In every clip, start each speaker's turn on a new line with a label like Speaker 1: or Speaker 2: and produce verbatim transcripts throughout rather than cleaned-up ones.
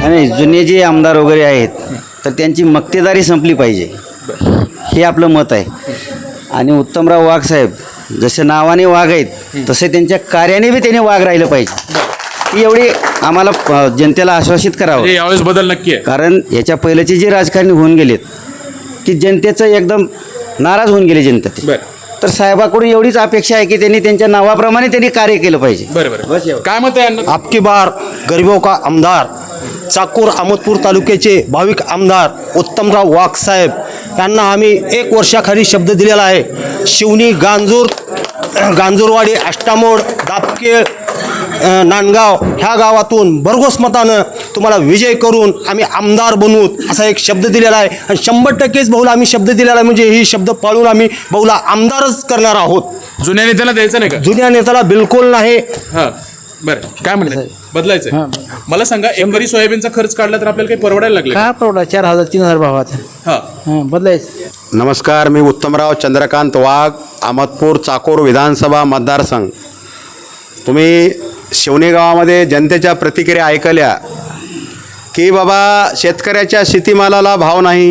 Speaker 1: आणि जुने जे आमदार वगैरे आहेत तर त्यांची मक्तेदारी संपली पाहिजे, हे आपलं मत आहे. आणि उत्तमराव वाघ साहेब जसे नावाने वाघ आहेत तसे त्यांच्या कार्याने बी त्यांनी वाघ राहिलं पाहिजे. ही एवढी आम्हाला अ, जनतेला आश्वासित करावं.
Speaker 2: म्हणजे यावेळेस बदल नक्की आहे.
Speaker 1: कारण याच्या पहिल्याचे जे राजकारणी होऊन गेलेत की जनतेचं एकदम नाराज होऊन गेले जनता.
Speaker 2: बरं
Speaker 1: तर साहेबाकडून एवढीच अपेक्षा आहे की त्यांनी त्यांच्या नावाप्रमाणे त्यांनी कार्य केलं पाहिजे.
Speaker 2: बरं बरं काय मत आहे अण्णा?
Speaker 3: आपकी बार गरीबों का आमदार चाकूर अहमदपूर तालुक्याचे भाविक आमदार उत्तमराव वाघ साहेब यांना आम्ही एक वर्षाखाली शब्द दिलेला आहे. शिवनी, गांजूर, गांजूरवाडी, आष्टामोड, दापकेळ, नांदगाव ह्या गावातून भरघोस मतानं तुम्हाला विजय करून आम्ही आमदार बनवू असा एक शब्द दिलेला आहे. आणि शंभर टक्केच भाऊला आम्ही शब्द दिलेला आहे, म्हणजे ही शब्द पाळून आम्ही भाऊला आमदारच करणार आहोत.
Speaker 2: जुन्या नेत्याला द्यायचं नाही का?
Speaker 3: जुन्या नेत्याला बिलकुल नाही.
Speaker 2: हां बरं काय म्हणलं बदलायचं? मला सांगा, एकरी सोयाबीनचा खर्च काढला तर आपल्याला काही परवडायला लागले
Speaker 4: का परवडा? चार हजार तीन हजार भावात
Speaker 2: हां
Speaker 4: हां बदलायचं.
Speaker 5: नमस्कार, मी उत्तमराव चंद्रकांत वाघ, अहमदपूर चाकूर विधानसभा मतदारसंघ. तुम्ही शिवणी गावामध्ये जनतेच्या प्रतिक्रिया ऐकल्या की बाबा शेतकऱ्याच्या शेतीमालाला भाव नाही,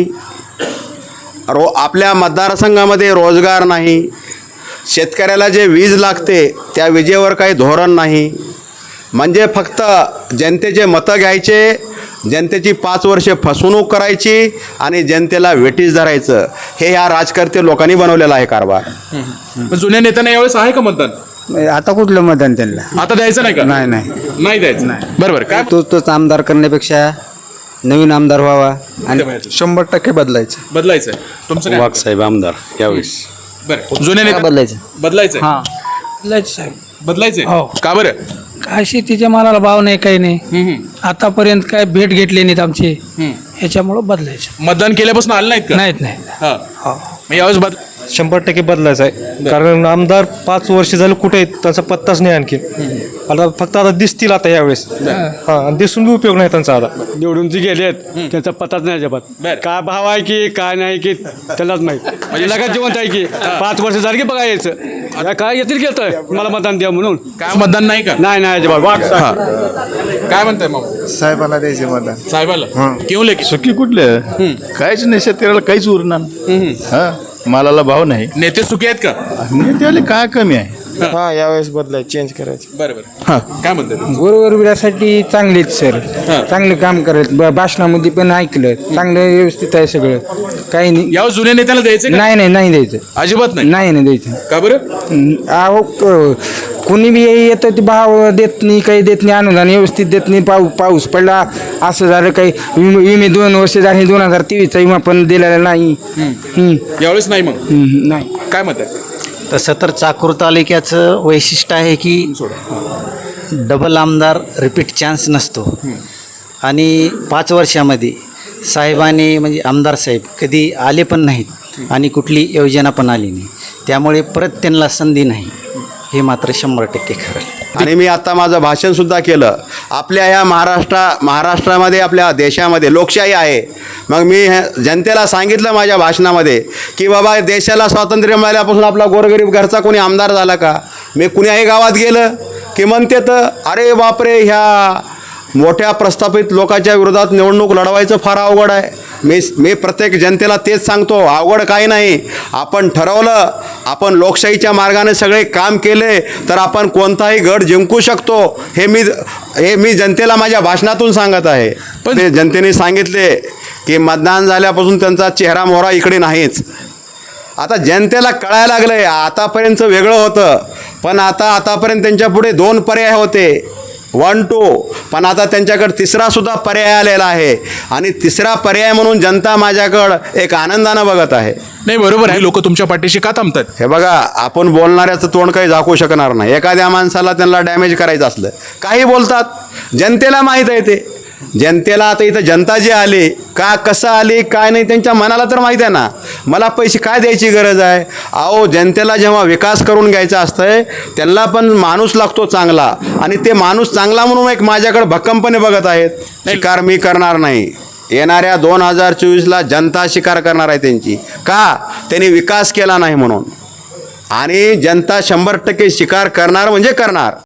Speaker 5: रो आपल्या मतदारसंघामध्ये रोजगार नाही, शेतकऱ्याला जे वीज लागते त्या विजेवर काही धोरण नाही. म्हणजे फक्त जनतेचे मतं घ्यायचे, जनतेची पाच वर्षे फसवणूक करायची आणि जनतेला वेठीस धरायचं, हे ह्या राजकर्ते लोकांनी बनवलेलं आहे कारभार.
Speaker 2: पण जुन्या नेत्यांना यावेळेस आहे का मतदान?
Speaker 4: आता कुठलं मतदान त्यांना?
Speaker 2: आता द्यायचं नाही का?
Speaker 4: नाही नाही
Speaker 2: नाही द्यायचं. बरोबर काय
Speaker 4: तोच तोच आमदार करण्यापेक्षा नवीन आमदार व्हावा आणि
Speaker 6: शंभर टक्के बदलायचं.
Speaker 2: बदलायचं तुमचं काय?
Speaker 5: वाघ साहेब आमदार यावेळेस.
Speaker 2: बरं जुन्या नेत्या
Speaker 4: बदलायचं.
Speaker 2: बदलायचं
Speaker 4: हां बदलायचं साहेब.
Speaker 2: बदलायचं
Speaker 4: हो.
Speaker 2: का बरं?
Speaker 4: काय शेतीच्या मालाला भाव नाही, काही नाही.
Speaker 2: हम्म, हम्म,
Speaker 4: आतापर्यंत काय भेट घेतले नाहीत आमचे,
Speaker 2: हम्म.
Speaker 4: ह्याच्यामुळं बदलायचं.
Speaker 2: मतदान केल्यापासून आलं नाहीत का?
Speaker 4: नाहीत नाही.
Speaker 2: हां
Speaker 4: हो
Speaker 2: मग यावेळेस बदल
Speaker 6: शंभर टक्के बदलायचं आहे. कारण आमदार पाच वर्ष झालं कुठे आहेत त्यांचा पत्ताच नाही आणखी. आता फक्त आता दिसतील आता यावेळेस. हा दिसून बी उपयोग नाही त्यांचा आता.
Speaker 7: निवडून जी गेले आहेत त्यांचा पताच नाही अजिबात.
Speaker 2: बरं.
Speaker 7: काय भाव आहे की काय नाही की त्यालाच माहीत. म्हणजे लगत जिवंत आहे की पाच वर्ष झाली की बघा यायचं काय येतील की तर मला मतदान द्या म्हणून.
Speaker 2: काय मतदान नाही का?
Speaker 7: नाही नाही अजिबात. वाघ
Speaker 2: हां काय म्हणताय मग
Speaker 6: साहेबाला द्यायचे मतदान.
Speaker 2: साहेबाला केऊ लेकी
Speaker 8: सुखी कुठले काहीच नाही, शेतकऱ्याला काहीच उरणार. हा मालाला भाव नाही.
Speaker 2: नेते सुखी आहेत का?
Speaker 8: नेत्याला काय कमी आहे.
Speaker 6: हा यावेळेस बदलायचं, चेंज करायचं.
Speaker 2: बरं बरं काय म्हणताय?
Speaker 4: गोरगरिबासाठी चांगलेच सर, चांगले काम करत ब- भाषणामध्ये पण ऐकलं, चांगलं व्यवस्थित आहे सगळं, काही नाही.
Speaker 2: यावेळेस जुन्या नेत्याला द्यायचं का?
Speaker 4: नाही नाही नाही द्यायचं.
Speaker 2: अजिबात नाही.
Speaker 4: नाही नाही द्यायचं.
Speaker 2: का बरं?
Speaker 4: अहो क- कोणी बी येतं ते भाव देत नाही, काही देत नाही, अनुदान व्यवस्थित देत नाही. पाऊस पाऊस पडला असं झालं, काही विमे विमे दोन वर्ष झाले, दोन हजार तेवीसचा विमा पण दिलेला नाही. हम्म.
Speaker 2: यावेळेस नाही. मग
Speaker 4: हम्म, नाही.
Speaker 2: काय मत आहे?
Speaker 9: तसं तर चाकूर तालुक्याचं वैशिष्ट्य आहे की डबल आमदार रिपीट चान्स नसतो. आणि पाच वर्षामध्ये साहेबांनी म्हणजे आमदार साहेब कधी आले पण नाहीत आणि कुठली योजना पण आली नाही, त्यामुळे परत त्यांना संधी नाही, हे मात्र शंभर टक्के खरं.
Speaker 5: आणि मी आता माझं भाषणसुद्धा केलं. आपल्या या महाराष्ट्रा महाराष्ट्रामध्ये आपल्या देशामध्ये लोकशाही आहे. मग मी हे जनतेला सांगितलं माझ्या भाषणामध्ये की बाबा देशाला स्वातंत्र्य मिळाल्यापासून आपला गोरगरीब घरचा कोणी आमदार झाला का? मी कुण्याही गावात गेलं की म्हणते तर अरे बापरे, ह्या मोठ्या प्रस्थापित लोकांच्या विरोधात निवडणूक लढवायचं फार अवघड आहे. मी मी प्रत्येक जनतेला तेच सांगतो, अवघड काही नाही. आपण ठरवलं, आपण लोकशाहीच्या मार्गाने सगळे काम केले तर आपण कोणताही गड जिंकू शकतो. हे मी हे मी जनतेला माझ्या भाषणातून सांगत आहे. पण ते जनतेने सांगितले की मतदान झाल्यापासून त्यांचा चेहरा मोहरा इकडे नाहीच. आता जनतेला कळायला लागलं आहे. आतापर्यंतचं वेगळं होतं, पण आता आतापर्यंत त्यांच्या पुढे दोन पर्याय होते, वन टू, पण आता त्यांच्याकडे तिसरासुद्धा पर्याय आलेला आहे. आणि तिसरा पर्याय म्हणून जनता माझ्याकडं एक आनंदानं बघत आहे.
Speaker 2: नाही बरोबर आहे. लोक तुमच्या पाठीशी का थांबतात?
Speaker 5: हे बघा, आपण बोलणाऱ्याचं तोंड काही झाकू शकणार नाही. एखाद्या माणसाला त्यांना डॅमेज करायचं असलं काही बोलतात. जनतेला माहीत आहे ते. जनतेला आता इथं जनता जी आली का, कसं आली, काय नाही, त्यांच्या मनाला तर माहीत आहे ना. मला पैसे काय द्यायची गरज आहे? अहो, जनतेला जेव्हा विकास करून घ्यायचा असतंय त्यांना पण माणूस लागतो चांगला, आणि ते माणूस चांगला म्हणून एक माझ्याकडे भक्कमपणे बघत आहेत. शिकार मी करणार नाही. येणाऱ्या दोन हजार चोवीसला जनता शिकार करणार आहे त्यांची. का? त्यांनी विकास केला नाही म्हणून. आणि जनता शंभर टक्के शिकार करणार म्हणजे करणार.